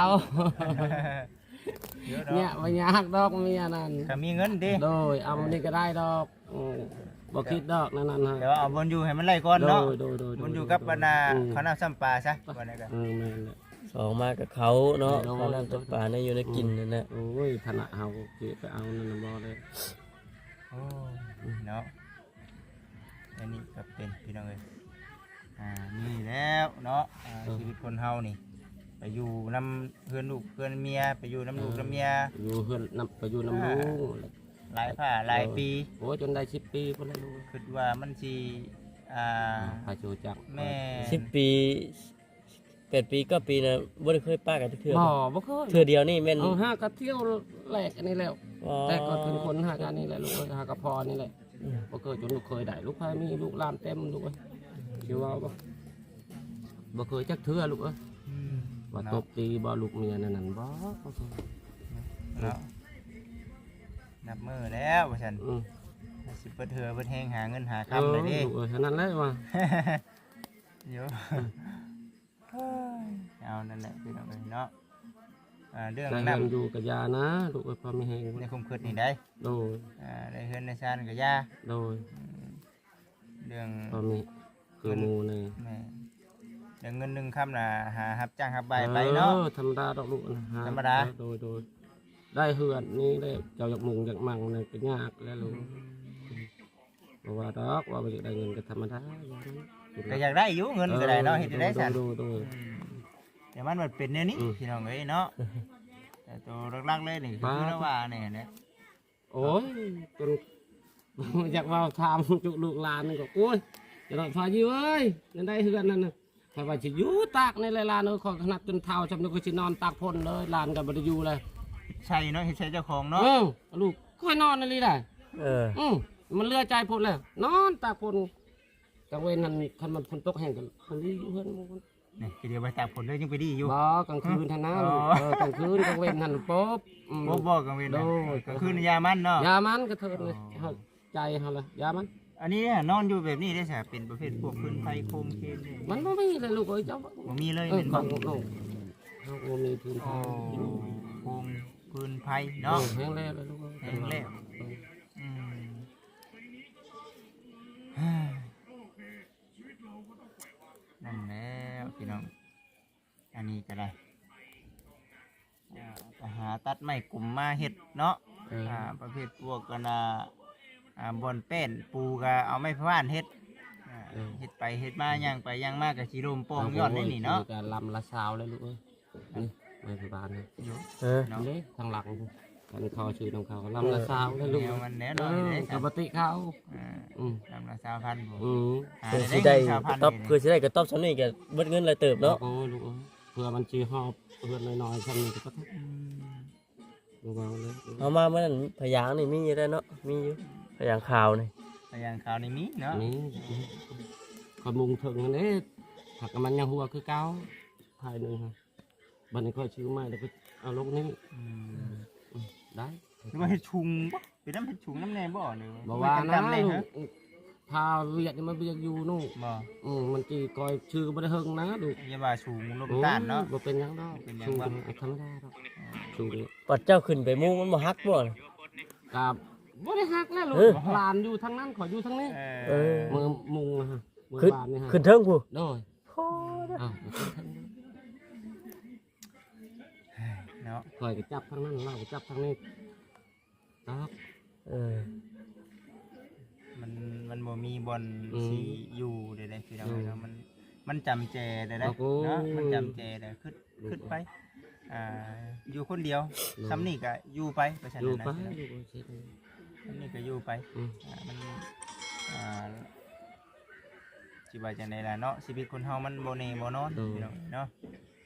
Speaker 1: เยอะ
Speaker 2: เนี่ย
Speaker 1: เนาะ
Speaker 2: บ่ยากดอกมีอันนั้น
Speaker 1: ก็มีเงินดิ
Speaker 2: โดยเอาอันนี้ก็ได้ดอกอืมบ่คิดดอกนั่นนั่นฮะ
Speaker 1: เดี๋ยวเอาบนอยู่ให้มันไล่ก่อน
Speaker 2: โด
Speaker 1: เนาะ
Speaker 2: ยโดยโดย
Speaker 1: บนอยู่กับบรรดา
Speaker 2: อืม
Speaker 1: เขาวน้ำซ้ำปลาซะวันนี้ก็
Speaker 2: เออแม่นแหละ
Speaker 3: สองมากับเขาเนาะ
Speaker 2: โดน
Speaker 3: เขาน้ำตกปลาในอยู่ในกินนั่นแหละ
Speaker 2: โอ้ยขณะเฮาเก็บไปเอานั่นน่ะบ่เลย
Speaker 1: โอ้ยเนาะอันนี้ก็เป็นพี่น้องเอ้ยอ่านี่แล้วเนาะอ่าชีวิตคนเฮานี่ ไปอยู่น้ำเพื่อนลูกเพื่อนเมียไปอยู่น้ำลูกน้ำเมีย
Speaker 2: อยู่เฮือนนํไปอยู่นํลุง
Speaker 1: หลายผ้าหลายปี
Speaker 2: โอ้ยจนได้สิบปีพุ่นแล้วลูก
Speaker 1: คิดว่ามันสิอ่า
Speaker 2: พาจูจัก
Speaker 1: แม่
Speaker 3: สิบปีแปดปีเก็ปีนะบ่ได้เคยป้ากันเทื่อ
Speaker 2: บ่บ่เคย
Speaker 3: เทื่อเดียวนี่แม่น
Speaker 2: เอาหาก็เที่ยวแหลกอันนี้แล้ว
Speaker 3: อ๋อ
Speaker 2: แต่ก็เป็นคนหางานนี่แหละลูกเอ้ยหากระพอนี่แหละบ่เคยจนลูกเคยได้ลูกพายมีลูกหลานเต็มลูกเอ้ยสิว่าบ่บ่เคยจักเทื่อลูกเอ้ย
Speaker 1: อืม
Speaker 2: ว่าตบตีบ่ลูกเมียนั่นนั่นบ่บ่เคย
Speaker 1: เนาะนับมือแล้วว่าฉัน
Speaker 2: อืม
Speaker 1: สิเปิดเถื่อเปิดแหงหาเงินหา
Speaker 2: เอ
Speaker 1: คำเลย
Speaker 2: อ
Speaker 1: ดิ
Speaker 2: ลูกเอ้ยเท่านั้นเลยว่า
Speaker 1: เดี๋ยวเอานั่นแหละพี่น้องเอ้ยเนาะอ่าเรื่อง
Speaker 2: ได้
Speaker 1: นั
Speaker 2: เงิ
Speaker 1: บ
Speaker 2: นอยู่กับยานะลูกเอ้ยพอมีแฮง
Speaker 1: ในคุมคืนนี่ได้
Speaker 2: โดย
Speaker 1: อ่าได้เฮือนในชานกับยา
Speaker 2: โดย
Speaker 1: เรื่อง
Speaker 2: พอมีคือหมู่นี่
Speaker 1: แม่เรื่องเงินหนึ่งคำน่ะหาหับจ้างหับใบไปเนาะ
Speaker 2: ออธรรมดาดอกลูกนะฮะ
Speaker 1: ธรรมดา
Speaker 2: โดยโดยได้เฮือนนี่ได้เจ้าอยากมุงอยากมั่งนี่ก็ยากแล้วลูกเพราะว่าดอกว่าบ่อยากได้เงินก็ธรรมดาอย่างนั้น
Speaker 1: ก็อยากได้อยู่เงินก็ได้เนาะเฮ็ดได้สัน
Speaker 2: โดยโดย
Speaker 1: อืมแต่มันมันเป็นเนี่ยนี้
Speaker 2: อืม
Speaker 1: พี่น้องเอ้ยเนาะแต่ตัวรักๆเลยนี่คือคือว่าเนี่ยเนี่ย
Speaker 2: โอ้ยจน อยากว่าทำจุลูกหลานนี่ก็โอ้ยจะต้องพาอยู่เอ้ยนั่นได้เฮือนนั่นน่ะถ้าว่าสิอยู่ตากในเลยหลานเอ้ยขอขนาดจนเท้าจำนึกว่าสินอนตากพ่นเลยหลานก็บ่ได้อยู่เลย
Speaker 1: ใช่เนาะเฮ็ดใช่เจ้าของ
Speaker 2: เอ
Speaker 1: เนาะ
Speaker 2: อลูกค่อยนอนนั่นเลยได้
Speaker 3: เออ
Speaker 2: อืมมันเลือใจพ่นเลยนอนตากพ่นกลางเว้นนั่นคันมันฝนตกแห้งกันมันอยู่เฮือนหมู่
Speaker 1: นี่ทีเดียวไปตากผลเลยยังไปดีอยู่
Speaker 2: บ่กลางคืนท่านนะ
Speaker 1: อ๋
Speaker 2: ลู
Speaker 1: อ
Speaker 2: กเออกลางคืนกลางเว้นนั่นป๊บอืม
Speaker 1: บ่บอกกันเว้นนะ
Speaker 2: โดย
Speaker 1: ก็คือในยามันเนาะ
Speaker 2: ยามันก็เถิดเลย
Speaker 1: อ๋อ
Speaker 2: เฮาใจเฮาเลยยามัน
Speaker 1: อันนี้เนี่ยนอนอยู่แบบนี้ได้ใช่เป็นประเภทพวกพื้นไฟโคมเคนนี่
Speaker 2: มันบ่มีเลยลูกเอ้ยเจ้า
Speaker 1: บ่มีเลย
Speaker 2: เออ
Speaker 1: เป็น
Speaker 2: ข
Speaker 1: บ่
Speaker 2: องลูกเฮาบ่มีพื้น
Speaker 1: โอ้
Speaker 2: ที่
Speaker 1: โคมพื้นไฟ
Speaker 2: เนาะ
Speaker 1: เนาะ
Speaker 2: แห้งแล้วเลยลูกเอ้ย
Speaker 1: แห้งแล้ว
Speaker 2: เออ
Speaker 1: อืมเฮ้ยนั่นแล้วพี่น้องอันนี้ก็ได้อ่าไปหาตัดไม้กลุ่มมาเฮ็ดเนาะ
Speaker 2: เออ
Speaker 1: อ่าประเภทพวกกันอ่าอ่าบอนเป็นปูก็เอาไม้พะว่านเฮ็ดอ่าเฮ็ดไปเฮ็ดมาย่างไปย่างมาก็สิลมโป่งยอดได้นี่เนาะ
Speaker 2: มีการลำละสาวเลยลูกเอ้ยนี่ไม่พิบาลนี่
Speaker 1: อยู่
Speaker 3: เออ
Speaker 1: เนาะ
Speaker 2: นี่ทางหลังกันคอชื่อของเขาลำละสาวได้ลูก
Speaker 1: แนวมันแน่น
Speaker 2: เอ
Speaker 1: อน
Speaker 2: อ
Speaker 1: เลย
Speaker 2: ปกติเขา
Speaker 1: อ่า
Speaker 2: อืม
Speaker 1: ลำละสามพันผม
Speaker 2: อืม
Speaker 1: อ่า
Speaker 3: เพื่อสิ
Speaker 1: ได้
Speaker 3: ได้
Speaker 1: เงินสามพัน
Speaker 3: ตอบเพื่อสิได้กระตอบสำนี้ก็เบิดเงินหลายเติบเนาะ
Speaker 2: โอ้ยลูกเอ้ยเพื่อมันจีหอบเพื่อนน้อยๆชั้นนี้ก็ต้อง
Speaker 1: อืม
Speaker 2: ลูกเอาเลย
Speaker 3: เอามาเมื่อนั้นพยางค์นี่มีอยู่ได้เนาะมีอยู่พยางค์ข่าวนี่
Speaker 1: แต่อย่างข่าวในมีเนาะ
Speaker 2: นี่คอยมุงถึงอันนี้หักกับมันยังหัวคือเก้าถ่ายหนึ่งฮะบันนี้ค่อยชื่อใหม่แล้วก็เอาลงนี่
Speaker 1: อืม
Speaker 2: อืมได้
Speaker 1: หรือว่าเห็ดชุงบ่เป็นน้ำเห็ดชุงน้ำแน่บ่หรือ
Speaker 2: บอกว่านะ
Speaker 1: จำๆเลย
Speaker 2: ลู
Speaker 1: ฮะ
Speaker 2: กพาเวียดนี่มันเวียดอยู่นู่น
Speaker 1: บ่
Speaker 2: อืมมันจีคอยชื่อก็ไม่ได้เฮิงนะลูก
Speaker 1: อย่าว่าชุงลมต้านเนาะ
Speaker 2: บ่เป็นหยังดอก
Speaker 1: เป็นหยัง
Speaker 2: ชู
Speaker 1: วะ
Speaker 2: เป็นธรรมดาดอกชูนี่
Speaker 3: ปัดเจ้าขึ้นไปมุงมันบ่ฮักบ่ล่ะ
Speaker 2: กับบ่ได้ฮักแล้วลู
Speaker 3: เออ
Speaker 2: กหลานอยู่ทางนั้นขออยู่ทางนี้
Speaker 1: เอ
Speaker 3: เอ
Speaker 1: อ
Speaker 3: อ
Speaker 2: มือมุงนะฮะมือ
Speaker 3: ขึ้น
Speaker 2: บานนี่ฮะ
Speaker 3: ขึ้นเทิงผู้
Speaker 2: โดยอ้าวขึ้นทางนี้
Speaker 1: เนาะ
Speaker 2: คอยก็จับทางนั้นเราก็จับทางนี้ดอก
Speaker 3: เออ
Speaker 1: มันมันบ่มีบอล
Speaker 2: อืม
Speaker 1: สีอยู่ใดๆพี่น้อง
Speaker 2: อืม
Speaker 1: เนาะมันมันจำแจได้ได้
Speaker 2: โอ้โห
Speaker 1: เนาะมันจำแจได้ขึ้นขึ้นไปอ่าอยู่คนเดียว
Speaker 2: อืม
Speaker 1: ซ้ำนี่ก็อยู่ไปไปฉัน
Speaker 2: อยู่
Speaker 1: นะ
Speaker 2: ไป
Speaker 1: พี่น้อง
Speaker 2: อยู่ไปเช็ด
Speaker 1: ซ้ำนี่ก็อยู่ไป
Speaker 2: อืม
Speaker 1: อ่ามันอ่าสิว่าจังไดล่ะเนาะชีวิตคนเฮามันบ่แน่บ่นอนพี่น้องเนาะ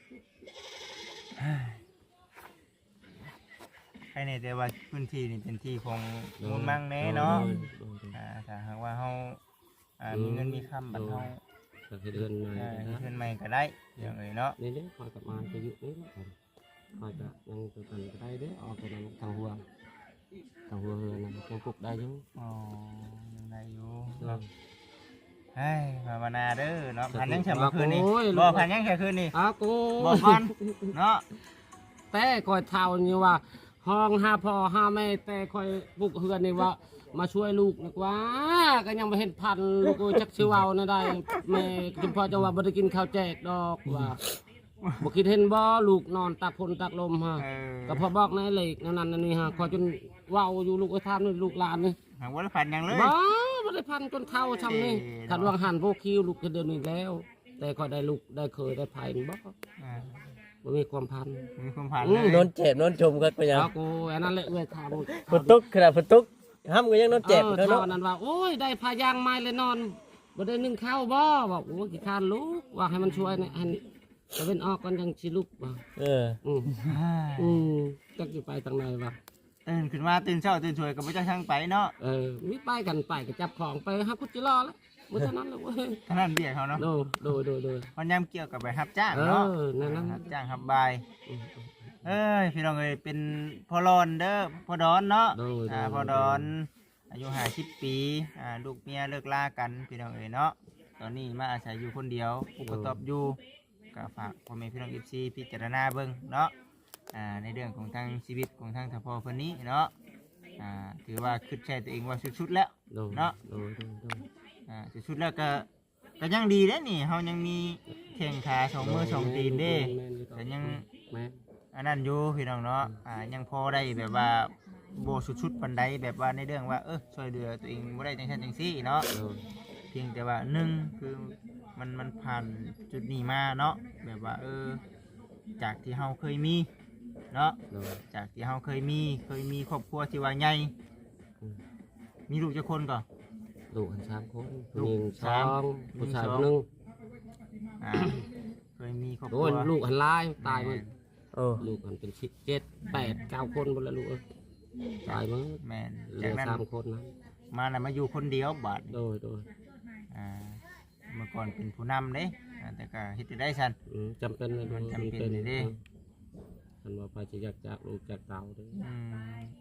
Speaker 1: ใครเนี่ยแต่ว่าพื้นที่นี่เป็นที่ของมูลมั่งแน่เนาะ
Speaker 2: โดยโดยโดย
Speaker 1: อ่าถ้าหากว่าเฮาอ่ามีเงินมีคำบัดเฮา
Speaker 2: ก็คือเดือนใหม่
Speaker 1: อ่า
Speaker 2: นะ
Speaker 1: เพิ่นใหม่ก็ได้อย่างเอ้ยเนาะ
Speaker 2: นี่เด้อคอยกลับมาจะอยู่นี่นะคอยจะยังตัวกันก็ได้เด้อเอาตัวนั้นทางหัวทางหัวเฮือนนะยังปลุกได้อยู่
Speaker 1: อ๋อยังได้อยู่
Speaker 2: เออ
Speaker 1: เนาะเฮ้ยภาวนาเด้อเนาะพันยังแค่เมื่อคืนนี้
Speaker 2: โอ้ย
Speaker 1: บ่พันยังแค่คืนนี้
Speaker 2: อากู
Speaker 1: บ่ก่อนเนาะ
Speaker 2: แต่คอยเท่านี่ว่า ห้องห้าพ่อห้าแม่แต่คอยปลุกเฮือนนี่ว่า มาช่วยลูกนึกว่าก็ยังไม่เห็นพันลูกเอ้ยจักชื่อเอานะได้แม่จุมพ่อจะว่าบ่ได้กินข้าวแจกดอกว่าบ่คิดเห็นบ่ลูกนอนตากฝนตากลมฮะ
Speaker 1: เออ
Speaker 2: ก็พอบอกในเหล็กนั่นนั่นนี่ฮะขอจนเว้าอยู่ลูกไอ้ทามนี่ลูกหลานนี่
Speaker 1: หากว่าได้พันยังเลย
Speaker 2: บ้าบ่ได้พันจนเท่าชำนี่
Speaker 1: เอ้ย
Speaker 2: ขัดวางหันพวกคิวลูกจะเดินอีกแล้ว แต่ก็ได้ลูกได้เคยได้ภัยบ่
Speaker 1: อ่า
Speaker 2: บ่มีความพัน
Speaker 1: มีความพัน
Speaker 2: อื
Speaker 1: เล
Speaker 2: ม
Speaker 1: ย
Speaker 3: โดนเจ็บโดนชมกันไปยัง
Speaker 2: เอากูอันนั้นแหละเอื้อยถาม
Speaker 3: ฝนตกขนาดฝนตกห้ามก็ยังโดนเจ็บ
Speaker 2: เออ
Speaker 3: เด้อ
Speaker 2: เท่า
Speaker 3: เนาะ
Speaker 2: นั้นว่าโอ้ยได้พายางไม้เลยนอนบ่ได้นึ่งข้าวบ่บอกโอ้ยขี้คร้านลูกว่าให้มันช่วยนะให้ตะเว้นออกก่อนจังสิลูกว่า
Speaker 3: เออ
Speaker 2: อืมอืมจักสิไปทางไหนวะ
Speaker 1: ตื่นขึ้นมาตื่นเช้าตื่นสวยกับพระเจ้าช่างไปเนาะ
Speaker 2: เออมีไปกันไปก็จับของไปหาคุดจิรอแล้วเมื่อเท่านั้นเลยเว้ย
Speaker 1: ท่านั้นเบียกเขาเนาะ
Speaker 2: โดโดโดโด
Speaker 1: มันยามเกี่ยวกับไปรับจ้าง
Speaker 2: เอ
Speaker 1: เนาะ
Speaker 2: อนั่นนั่น
Speaker 1: รับจ้างรับบาย
Speaker 2: อืม
Speaker 1: เอ้ยพี่น้องเอ้ยเป็นพ่อรอนเด้อพ่อดอนเนาะ
Speaker 2: โดย
Speaker 1: อ่า
Speaker 2: โดย
Speaker 1: พ่อดอนอายุห้าสิบปีอ่าลูกเมียเลิกลากันพี่น้องเอ้ยเนาะตอนนี้มาอาศัยอยู่คนเดียวผู้กระตอบอยู่ก็ฝากพ่อแม่พี่น้องเอฟซีพิจารณาเบิ่งเนาะอ่าในเรื่องของทางชีวิตของทางทพ่อคนนี้เนาะอ่าถือว่าคิดใช้ตัวเองว่าสุดๆแล้ว
Speaker 2: โดย
Speaker 1: เนาะ
Speaker 2: โดยโดยโดย
Speaker 1: อ่าสุดๆแล้วก็ก็ยังดีเด้นี่เฮายังมีแข้งขาสองมือสองตีนเด้
Speaker 2: แม่นอยู่
Speaker 1: แต่ยัง
Speaker 2: แม่น
Speaker 1: อันนั้นอยู่พี่น้องเนาะอ่ายังพอได้แบบว่าโบสุดๆปันใดแบบว่าในเรื่องว่าเออช่วยเหลือตัวเองบ่ได้จังซั่นจังซี่เนาะ
Speaker 2: โดย
Speaker 1: เพียงแต่ว่าหนึ่งคือมันมันผ่านจุดนี้มาเนาะแบบว่าเออจากที่เฮาเคยมีเนาะ
Speaker 2: โดย
Speaker 1: จากที่เฮาเคยมีเคยมีครอบครัวที่ว่าใหญ่
Speaker 2: อืม
Speaker 1: มีลูกจักคนก่อน
Speaker 2: ลูกหันสามคน
Speaker 1: ลูก
Speaker 2: หญิงส
Speaker 1: สา
Speaker 2: อ
Speaker 1: ม
Speaker 2: งผู้ชาย
Speaker 1: หญิงสอง
Speaker 2: คนหนึง
Speaker 1: อ่าเคยมีครอบค
Speaker 2: โอ้
Speaker 1: รั
Speaker 2: ยว ลูกหันลายตายหมัน
Speaker 3: โอ้
Speaker 2: ลูกหันเป็นสิบเจ็ดแปดเก้าคนหมดแล้วลูกเอ้ยตายหมั้ง
Speaker 1: แม่น
Speaker 2: เหลื
Speaker 1: จาก
Speaker 2: อ
Speaker 1: นั้น
Speaker 2: สามคนนะ
Speaker 1: มาน่ะมาอยู่คนเดียวบาด
Speaker 2: โดยโดย
Speaker 1: อ่าเมื่อก่อนเป็นผู้นำเด้อ่าแต่ก็เฮ็ดได้ซั่น
Speaker 2: อืมจำเป็นเลย
Speaker 1: มันจำเป็นเลยเด้
Speaker 2: คันว่าไปจะอยากจากลูกจากเต่าเด้อ
Speaker 1: อืม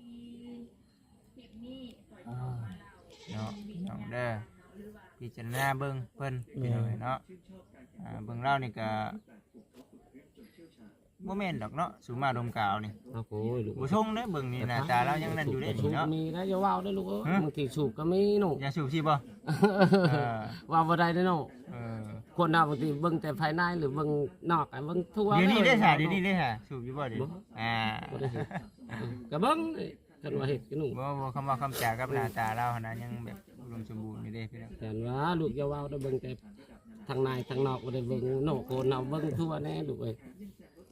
Speaker 1: อ่าเนาะพี่น้องเด้อพิจารณาเบิ่งเพิ่นพี่น้องเนาะอ่าเบิ่งเล่านี่ก็บ่แม่นดอกเนาะสูมาดมกาวนี่
Speaker 2: เอาโอ้ยลูก
Speaker 1: บ่ชงเด้อเบิ่งนี่หน้าตาเรายังนั่นอยู่เด้
Speaker 2: สู
Speaker 1: นี่
Speaker 2: บ
Speaker 1: เนาะ
Speaker 2: มีได้อย่าว่าวได้อลูกเอ้ย
Speaker 1: ฮะ
Speaker 2: บางทีสูบก็มีหนู
Speaker 1: อย่าสูบสิบ่เออ
Speaker 2: ว่าบ่ได้เด้อหนู
Speaker 1: เออ
Speaker 2: คนเราบางทีเบิ่งแต่ภายในหรือเบิ่งนอกอะเบิ่งทั่ว
Speaker 1: เดี๋ยวนี้ได้
Speaker 2: ล
Speaker 1: ค่ะเดี๋ยวนี้ได้ค่ะสูบอยู่บ่เดี๋ยว
Speaker 2: บ่
Speaker 1: อ่า
Speaker 2: บ่ได้เฮ็ดเออก็เบิ่งกันว่าเฮ็ดกันหนู
Speaker 1: บ่บ่คำว่าคำจากับหน้าตาเราหั่นน่ะยังแบบอุดมสมบูรณ์อยู่เด้พี่น้อง
Speaker 2: แต่ว่าลูกอย่าว่าวได้เบิ่งแต่ทางในทางนอกบ่ได้เบิ่งนอกโคนเอาเบิ่งทั่วแน่ลูกเอ้ย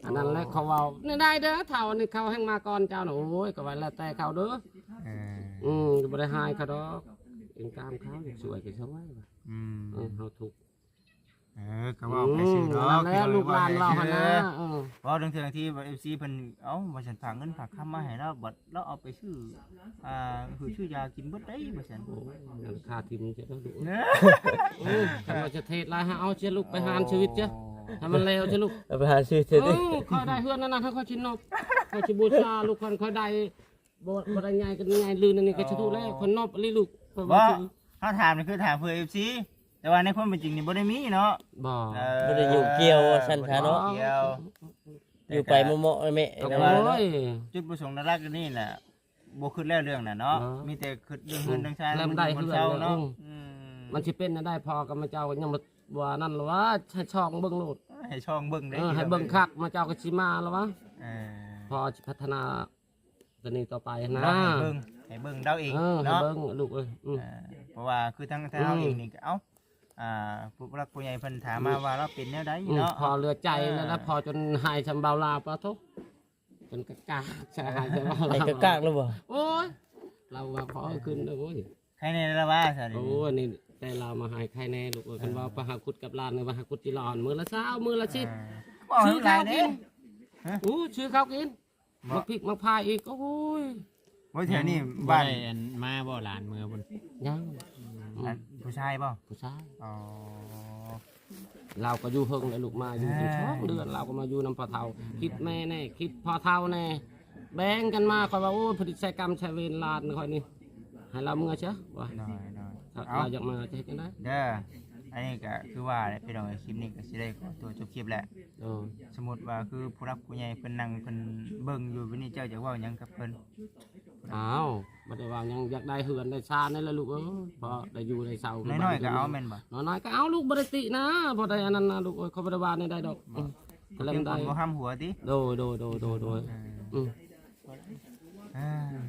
Speaker 2: อันนั้นแหละเขาเว้านี่ได้เด้อเฒ่านี่เขาแห่งมาก่อนเจ้าน่ะโอ้ยก็ไว้แล้วแต่เขาเด้อ
Speaker 1: เออ
Speaker 2: อืมบ่ได้หายเขาดอกเองตามเขาสวยก็สวยว่ะ
Speaker 1: อืม
Speaker 2: เออเฮาถูก
Speaker 1: เออก็เว่าไปซื้อเนาะ
Speaker 2: นั่นแหละลูกหลานเราหั่นนะเออ
Speaker 1: เว้าเรื่องเทื่อที่ เอฟ ซี เพิ่นเอ้าว่าฉันฝากเงินฝากคำมาให้เราบัดเราเอาไปซื้ออ่าคือซื้อยากินเบิดได้ว่าซั่น
Speaker 2: โอ้ยนั่นค่าทิมจะต้องดู
Speaker 1: เด้อ
Speaker 2: โอ้ยถ้าว่าจะเทศลายหาเอาเชียลูกไปหานชีวิตจ้ะถ้ามันเลวเชียลูก
Speaker 3: เอาไปหาซื้อเส
Speaker 2: เอ
Speaker 3: ร็จดิ
Speaker 2: อคอยได้เฮือนนั่นน่ะถ้าคอยชินนบคอยชิบูชาลูกคนคอยได้บ่บ่ได้ใหญ่กันใหญ่ลืนอันนี้ก็สิถูกแล้วคนนบลีลูกเพราะ
Speaker 1: บ่
Speaker 2: ว่า
Speaker 1: เฮาถามนี่คือถามเพื่อ เอฟ ซี แต่ว่าในความเป็นจริงนี่บ่ได้มีเนาะ
Speaker 2: บ่
Speaker 1: เออ
Speaker 3: บ่ได้อยู่เกี่ยวซั่นซะเนาะ
Speaker 1: เกี่ยว
Speaker 3: อยู่ไปเหมาะๆแม่
Speaker 2: โอ้
Speaker 3: นะว่าเนาะ
Speaker 2: ย
Speaker 1: จุดประสงค์หลักๆนี่แหละบ่คิดแล้วเรื่องน่ะเนาะ
Speaker 2: เออ
Speaker 1: มีแต่คิดเรื่องเงินเรื่องชาย
Speaker 2: เริ่มได้
Speaker 1: คน
Speaker 2: เฮือน
Speaker 1: เช่า
Speaker 2: แล้ว
Speaker 1: เนาะ
Speaker 2: อืม
Speaker 1: อืม
Speaker 2: มันสิเป็นน่ะได้พอกับมาเจ้าก็ยังบ่ว่านั่นหรอวะให้ช่องเบิ่งโลด
Speaker 1: ให้ช่องเบิ่งได้
Speaker 2: เออให้เบิ่งคักมาเจ้าก็สิมาแล้ววะ
Speaker 1: เออ
Speaker 2: พอสิพัฒนาตัวนี้ต่อไปนะ
Speaker 1: เนาะให้เบิ่งให้เบิ่งเดาเอง
Speaker 2: เออให้
Speaker 1: เนาะ
Speaker 2: เบิ่งลูกเอ้ยอืม
Speaker 1: เออเพราะว่าคือทั้งทั้งเฮาเองนี่ก็เอ้าอ่าผู้รักผู้ใหญ่เพิ่นถามมาว่าเราเป็นแนวใด
Speaker 2: อืม
Speaker 1: เนาะ
Speaker 2: พอเรือใจแล้วนะพอจนหายชำเบาลาปะทุกจนกะกากใช่หายชำเบาลา
Speaker 3: ไอ้กะกากแล้วบ่
Speaker 2: โอ้ยเราว่าพอขึ้นเลยโอ้ย
Speaker 1: ใครในละว่าซะดิ
Speaker 2: โอ้ยนี่แต่เรามาหายใครแน่ลูกเอ้ยคันว่าปะหาคุดกับลานเนี่ยปะหาคุดจีรอนมือละเช้ามือละชิด
Speaker 1: บ่ให้
Speaker 2: ซื้อ
Speaker 1: หลา
Speaker 2: ข้าวย
Speaker 1: เด้
Speaker 2: กินอู้ชื่อข้าวกินมาพริกมาพายอีกโอ้ย
Speaker 1: บ่แถวนี้
Speaker 4: บ้า
Speaker 1: บ้าน
Speaker 4: นอันมาบ่หลานเมืองบน
Speaker 2: ยัง
Speaker 1: อันผู้ชายบ่
Speaker 2: ผู้ชาย
Speaker 1: อ๋อ
Speaker 2: เราก็อยู่เฮิงเลยลูกมาอยู่เป็นช่องเดือนเราก็มาอยู่นำพอเท่าคิดแม่แน่คิดพอเท่าแน่แบ่งกันมาคอยว่าโอ้ยผลิตใช้กรรมใช้เวรลานคอยนี่ให้เราเมื่อเช้าว่า
Speaker 1: น้อยน้อย
Speaker 2: ถ้า
Speaker 1: เอา
Speaker 2: เราอยากมาจะเห็นกันได้
Speaker 1: เด้ออันนี้ก็คือว่าแหละพี่น้องคลิปนี้ก็สิได้ขอตัวจบคลิปแหละ
Speaker 2: เออ
Speaker 1: สมมุติว่าคือผู้รักผู้ใหญ่เพิ่นนั่งเพิ่นเบิ่งอยู่วันนี้เจ้าจะเว้าหยังกับเพิ่น
Speaker 2: อ้าวบ่ได้ว่ายังอยากได้เหือนได้ชาในละลูกเออพอได้อยู่ได้เศร้า
Speaker 1: น้อยๆก็เอาแม่นบ่
Speaker 2: น้อยๆก็เอาลูกบ่ได้ตินะบ่ได้อันนั้นนะลูกเอ้ยเขาบ่ได้ว่าในได้ดอกอืมก็เล่
Speaker 1: เพีย
Speaker 2: น
Speaker 1: งค
Speaker 2: ได้
Speaker 1: นบ่ห้ามหัวติ
Speaker 2: โดยโดยโดยโดยโดยอืม
Speaker 1: อ่า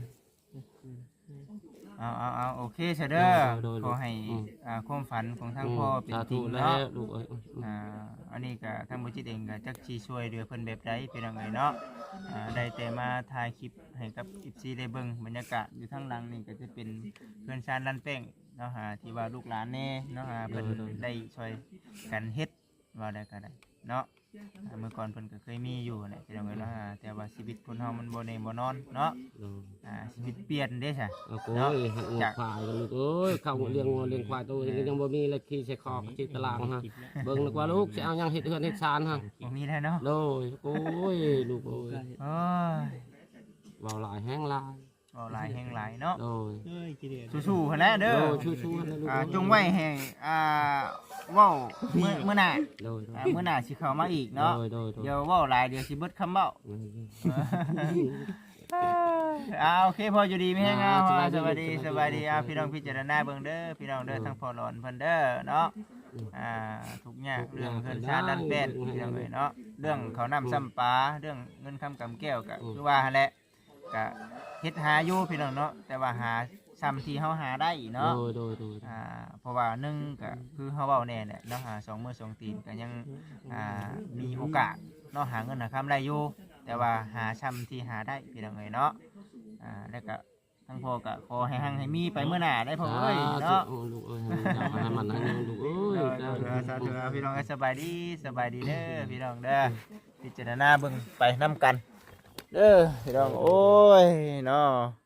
Speaker 1: เอาเอาเอาโอเคซะเด้อขอให้อ่าความฝันของทางพ่อเป็น
Speaker 2: สา
Speaker 1: จริ
Speaker 2: ธุ
Speaker 1: ง
Speaker 2: แล้
Speaker 1: เนาะ
Speaker 2: วลูกเอ้ยอืม
Speaker 1: อ่าอันนี้ก็ทางบ่จิตเองก็จักสิช่วยเหลือเพิ่นแบบใดพี่น้องเอ้ยเนาะอ่าได้แต่มาถ่ายคลิปให้กับ เอฟ ซี ได้เบิ่งบรรยากาศอยู่ทางหลังนี่ก็จะเป็นเพื่อนชาญลันแป้งเนาะหาที่ว่าลูกหลานแน่เนาะหาเพิ่นได้ช่วยกันเฮ็ดว่าได้ก็ได้เนาะอ่าเมื่อก่อนเพิ่นก็เคยมีอยู่แหละพี่น้องเอ้ยเนาะอ่าแต่ว่าชีวิตคนเฮามันบ่แน่บ่นอนเนาะ
Speaker 2: โดย
Speaker 1: อ่าชีวิตเปลี่ยนเด้ซะ
Speaker 2: เอาโอ้ยหักงัวควายกันลูกเอ้ยเข้าเลี้ยงงัวเลี้ยงควายตัวเองก็ยังบ่มีเลยขี่ใส่คอกจิตตารางฮะเบิ่งนึกว่าลูกสิเอาหยังเฮ็ดเฮือนเฮ็ดชานฮะ
Speaker 1: บ่มีแล้วเนาะ
Speaker 2: โดยโอ้ยลูกโอ้ย
Speaker 1: โอ้ย
Speaker 2: เว้าหลายแห้งหลาย
Speaker 1: เว้าหลายแห่งหลายเนาะ
Speaker 2: โดย
Speaker 4: เอ้ยกี่เดือน
Speaker 1: สู้ๆหั่นแหละ
Speaker 2: โด
Speaker 1: เด้อย
Speaker 2: ชูๆนะลูก
Speaker 1: อ่าจงไว้ให้อ่าเว้ามื้อมื้อหน้า
Speaker 2: โดยโดย
Speaker 1: อ่ามื้อหน้าสิเข้ามาอีกเนาะ
Speaker 2: โดยโดยโดย
Speaker 1: เดี๋ยวเว้าหลายเดี๋ยวสิเบิดคำเว้า
Speaker 2: เออ
Speaker 1: อ่าโอเคพออยู่ดีไหมฮะ
Speaker 2: อ่า
Speaker 1: ส
Speaker 2: ส
Speaker 1: บา
Speaker 2: บาย ยดี
Speaker 1: ดีสบายดีอ่าพี่น้องพิจารณาเบิ่งเด้อพี่น้องเด้อ
Speaker 2: อืม
Speaker 1: ทั้งพอหลอนเพิ่นเด้อเนาะ
Speaker 2: อืม
Speaker 1: อ่าทุกอย่าง
Speaker 2: ทุกอ
Speaker 1: เรื่
Speaker 2: ย่า
Speaker 1: อง
Speaker 2: ง
Speaker 1: เพิ่น
Speaker 2: ได้
Speaker 1: ชาติดันเป็น
Speaker 2: อืม
Speaker 1: พี่น้องเอ้ยเนาะเรื่องเขาวนำซ้ำปลาเรื่องเงินคำกำแก้วก็
Speaker 2: อืม
Speaker 1: คือว่าหั่นแหละก็เฮ็ดหาอยู่พี่น้องเนาะแต่ว่าหาซ้ำที่เฮาหาได้เนาะ
Speaker 2: โดยโดยโดย
Speaker 1: อ่าเพราะว่าหนึ่งก็คือเฮาเว้าแน่แหละเนาะหาสองมือสองตีนก็ยังอ่ามีโอกาสเนาะหาเงินหาคำได้อยู่แต่ว่าหาซ้ำที่หาได้พี่น้องเอ้ยเนาะอ่าแล้วก็ทั้งพ่อก็ขอให้หังให้มีไปเมื่อหน้าได้พ่อเอ้ยเนาะ
Speaker 2: โอ้ลูกเอ้ยให้มันให้มันให้มันลูกเอ้ย
Speaker 1: เออสาธุพี่น้องสบายดีสบายดีเด้อพี่น้องเด้อพิจารณาเบิ่งไปนํกันเด้อพี่น้องโอ้ยเนาะ